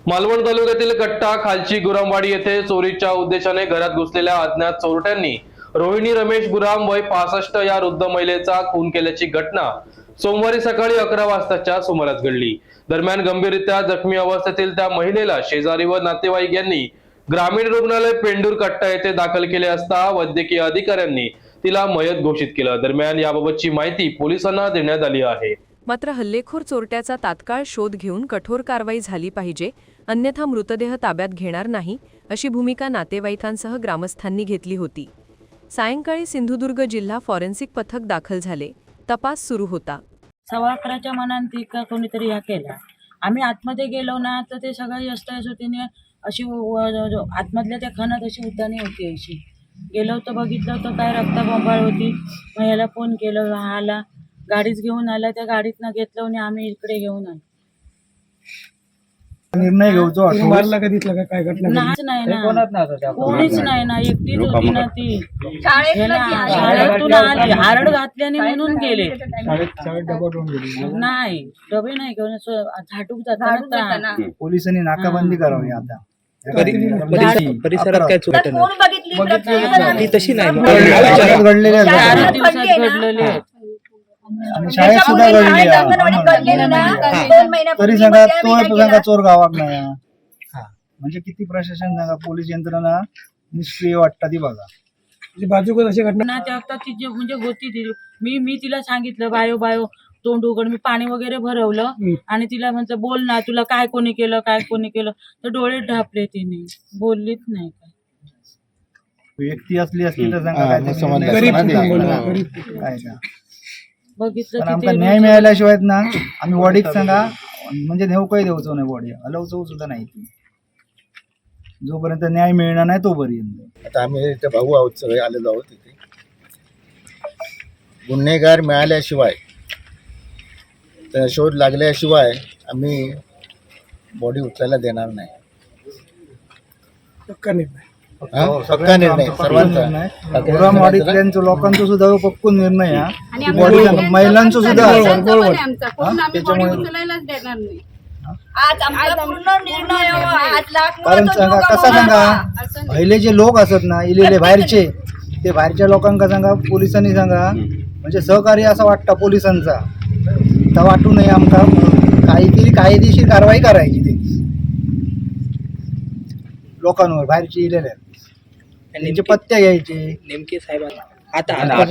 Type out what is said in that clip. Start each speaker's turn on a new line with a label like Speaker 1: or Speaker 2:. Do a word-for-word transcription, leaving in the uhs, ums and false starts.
Speaker 1: मालवण तालुक्यातील कट्टा खालची गुरामवाडी येथे चोरीच्या उद्देशाने घरात घुसलेल्या अज्ञात चोरट्यांनी रोहिणी रमेश गुराम वय पासष्ट या वृद्ध महिलेचा खून केल्याची घटना सोमवारी सकाळी अकरा वाजताच्या सुमारास घडली। दरम्यान गंभीररित्या जखमी अवस्थेतील त्या महिलेला शेजारी व नातेवाईक यांनी ग्रामीण रुग्णालय पेंडूर कट्टा येथे दाखल केले असता वैद्यकीय अधिकाऱ्यांनी तिला मयत घोषित केलं। दरम्यान याबाबतची माहिती पोलिसांना देण्यात आली आहे।
Speaker 2: मात्र हल्लेखोर चोरट्याचा तात्काळ शोध घेऊन कठोर कारवाई झाली पाहिजे, अन्यथा मृतदेह ताब्यात घेणार नाही अशी भूमिका नातेवाईकांसह ग्रामस्थांनी घेतली होती। सायंकाळी सिंधुदुर्ग जिल्हा फॉरेन्सिक पथक दाखल झाले, तपास सुरू होता।
Speaker 3: सव्वा अकराच्या मनात ती का कोणीतरी ह्या केला। आम्ही आतमध्ये गेलो ना तर ते सगळं यष्टयशोतीने अशी आतमधल्या त्या खणात अशी उद्याने होती। अशी गेलो तर बघितलं तर काय रक्तबंबाळ होती। मग याला फोन केलं, हा आला, गाडीच घेऊन आला, त्या गाडीतनं घेतलं आणि आम्ही इकडे घेऊन आलो।
Speaker 4: निर्णय घेऊचो मारला कधीतला का काय घटना
Speaker 3: नाच नाही ना, कोणीच नाही ना, एकटीच होती ना ती। शाळेतून आली, हारड घातल्याने म्हणून गेले। नाही डबे नाही घेऊन झाटूक जाताना
Speaker 4: पोलिसांनी नाकाबंदी करावी आता।
Speaker 5: परिसरात काय चोरी घडली तशी नाही
Speaker 4: घडलेल्या
Speaker 3: चार दिवसात घडलेले आहेत।
Speaker 4: आणि शाळेत सुद्धा घडली तरी सांगा तो सांगा चोर गावात नाही। म्हणजे किती प्रशासन सांगा, पोलीस यंत्रणा निष्क्रिय वाटतं ती बघा। बाजू अशी घटना
Speaker 3: त्या वक्तात ती जे म्हणजे होती ती, मी मी तिला सांगितलं बायो बायो तोंड उघड, मी पाणी वगैरे भरवलं आणि तिला म्हटलं बोल ना, तुला काय कोणी केलं काय कोणी केलं, तर डोळे ढापले, तिने बोललीच नाही।
Speaker 4: व्यक्ती असली असली तर सांगा काय
Speaker 3: बघितलं
Speaker 4: आमका न्याय मिळाल्याशिवाय ना आम्ही वडीक सांगा म्हणजे नेऊ काही देऊचो नाही, बॉडी हलवचो सुद्धा नाही ती, जोपर्यंत न्याय मिळणार नाही तोपर्यंत।
Speaker 6: आता आम्ही इथे भाऊ आहोत, सगळे आलेलो आहोत तिथे। गुन्हेगार मिळाल्याशिवाय, त्या शोध लागल्याशिवाय आम्ही बॉडी उचलायला देणार नाही। पक्का निर्णय सर्वांचा,
Speaker 4: गुरामवाडीतल्यांचं लोकांचा सुद्धा पक्कून निर्णय हा, बॉडी महिलांचं सुद्धा। कारण सांगा कसा सांगा, पहिले जे लोक असत ना इलेले बाहेरचे, ते बाहेरच्या लोकांका सांगा पोलिसांनी सांगा म्हणजे सहकार्य असं वाटतं पोलिसांचा, तर वाटू नये आमका काहीतरी कायदेशीर कारवाई करायची ते लोकांवर, बाहेरचे इलेले त्यांचे पत्ते घ्यायचे
Speaker 5: नेमके साहेब आता